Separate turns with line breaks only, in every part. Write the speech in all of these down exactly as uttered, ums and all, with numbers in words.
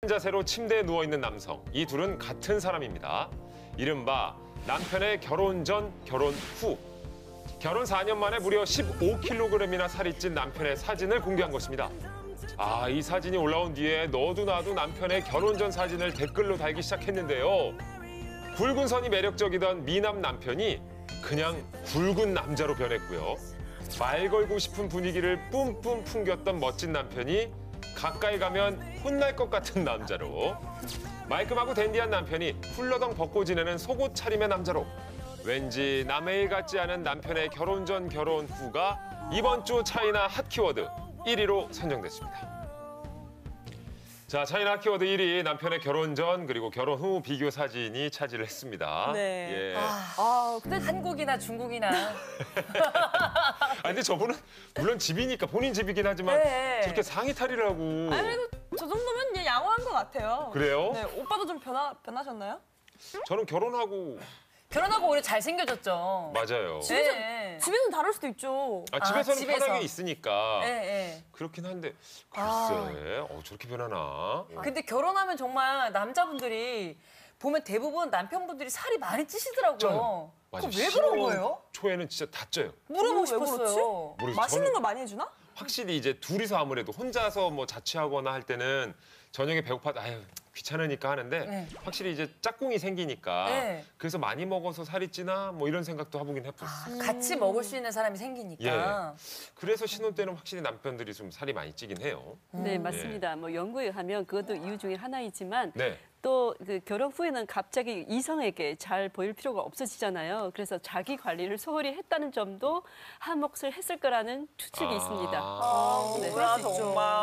자세로 침대에 누워있는 남성. 이 둘은 같은 사람입니다. 이른바 남편의 결혼 전, 결혼 후. 결혼 사 년 만에 무려 십오 킬로그램이나 살이 찐 남편의 사진을 공개한 것입니다. 아, 이 사진이 올라온 뒤에 너도 나도 남편의 결혼 전 사진을 댓글로 달기 시작했는데요. 굵은 선이 매력적이던 미남 남편이 그냥 굵은 남자로 변했고요. 말 걸고 싶은 분위기를 뿜뿜 풍겼던 멋진 남편이 가까이 가면 혼날 것 같은 남자로, 말끔하고 댄디한 남편이 훌러덩 벗고 지내는 속옷 차림의 남자로, 왠지 남의 일 같지 않은 남편의 결혼 전 결혼 후가 이번 주 차이나 핫 키워드 일 위로 선정됐습니다. 자, 차이나 핫 키워드 일 위, 남편의 결혼 전 그리고 결혼 후 비교 사진이 차지를 했습니다.
네.
예.
아, 아, 근데 한국이나 중국이나.
아, 근데 저분은 물론 집이니까 본인 집이긴 하지만
네.
저렇게 상의 탈의를 하고.
아니, 그래도 저 정도면 그냥 양호한 것 같아요.
그래요?
네, 오빠도 좀 변화, 변하셨나요?
저는 결혼하고.
결혼하고 오히려 잘생겨졌죠.
맞아요.
집에서,
네.
집에서는 다를 수도 있죠.
아, 집에서는
아, 집에서.
편하게 있으니까.
네, 네.
그렇긴 한데 글쎄,
아.
어, 저렇게 변하나?
근데 결혼하면 정말 남자분들이 보면 대부분 남편분들이 살이 많이 찌시더라고요.
맞아.
그럼 왜 그런
신혼
거예요?
초에는 진짜 다 쪄요.
물어보고
왜 그렇지?
싶었어요.
모르겠어요.
맛있는
저는
걸 많이 해주나?
확실히 이제 둘이서 아무래도 혼자서 뭐 자취하거나 할 때는 저녁에 배고파도 아유 귀찮으니까 하는데
네.
확실히 이제 짝꿍이 생기니까
네.
그래서 많이 먹어서 살이 찌나 뭐 이런 생각도 해보긴 해봤어요.
아, 같이 먹을 수 있는 사람이 생기니까.
그래서 신혼 때는 확실히 남편들이 좀 살이 많이 찌긴 해요.
네, 맞습니다. 뭐 연구에 하면 그것도 이유 중에 하나이지만
네.
또 그 결혼 후에는 갑자기 이성에게 잘 보일 필요가 없어지잖아요. 그래서 자기 관리를 소홀히 했다는 점도 한 몫을 했을 거라는 추측이
아.
있습니다.
아,
네.
뭐야,
그럴 수 있죠.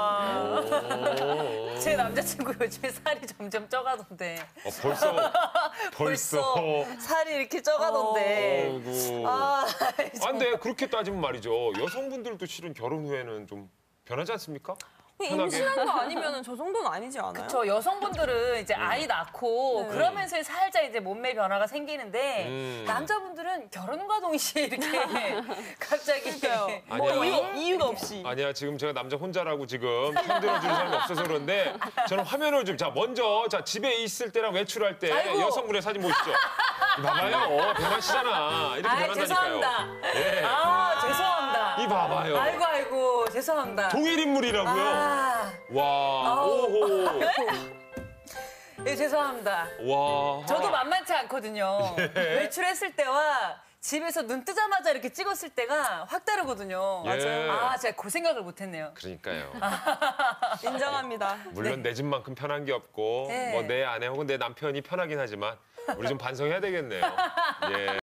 정말. 제 남자친구 요즘에 살이 점점 쪄가던데.
어, 벌써 벌써.
살이 이렇게 쪄가던데.
어이구.
아,
아, 근데 그렇게 따지면 말이죠. 여성분들도 실은 결혼 후에는 좀 변하지 않습니까? 편하게.
임신한 거 아니면 저 정도는 아니지 않아요?
저 여성분들은 이제 아이 낳고
네.
그러면서 살짝 이제 몸매 변화가 생기는데
음.
남자분들은 결혼과 동시에 이렇게 갑자기
그러니까요.
아니야.
뭐 이유, 이유가 없이.
아니야, 지금 제가 남자 혼자라고 지금 편들어주는 사람이 없어서 그런데 저는 화면을 좀, 자, 먼저, 자, 집에 있을 때랑 외출할 때
아이고.
여성분의 사진 보시죠. 봐봐요. 어, 변하시잖아. 이렇게
아,
변한다니까요.
죄송합니다.
예.
아, 죄송합니다.
이 봐봐요.
아이고 아이고 죄송합니다.
동일 인물이라고요.
아,
와,
아우.
오호.
예, 죄송합니다.
와.
저도 만만치 않거든요. 외출했을 때와 집에서 눈 뜨자마자 이렇게 찍었을 때가 확 다르거든요.
예. 맞아요.
아, 제가 그 생각을 못했네요.
그러니까요.
인정합니다.
물론 내 집만큼 편한 게 없고
네.
뭐 내 아내 혹은 내 남편이 편하긴 하지만 우리 좀 반성해야 되겠네요. 예.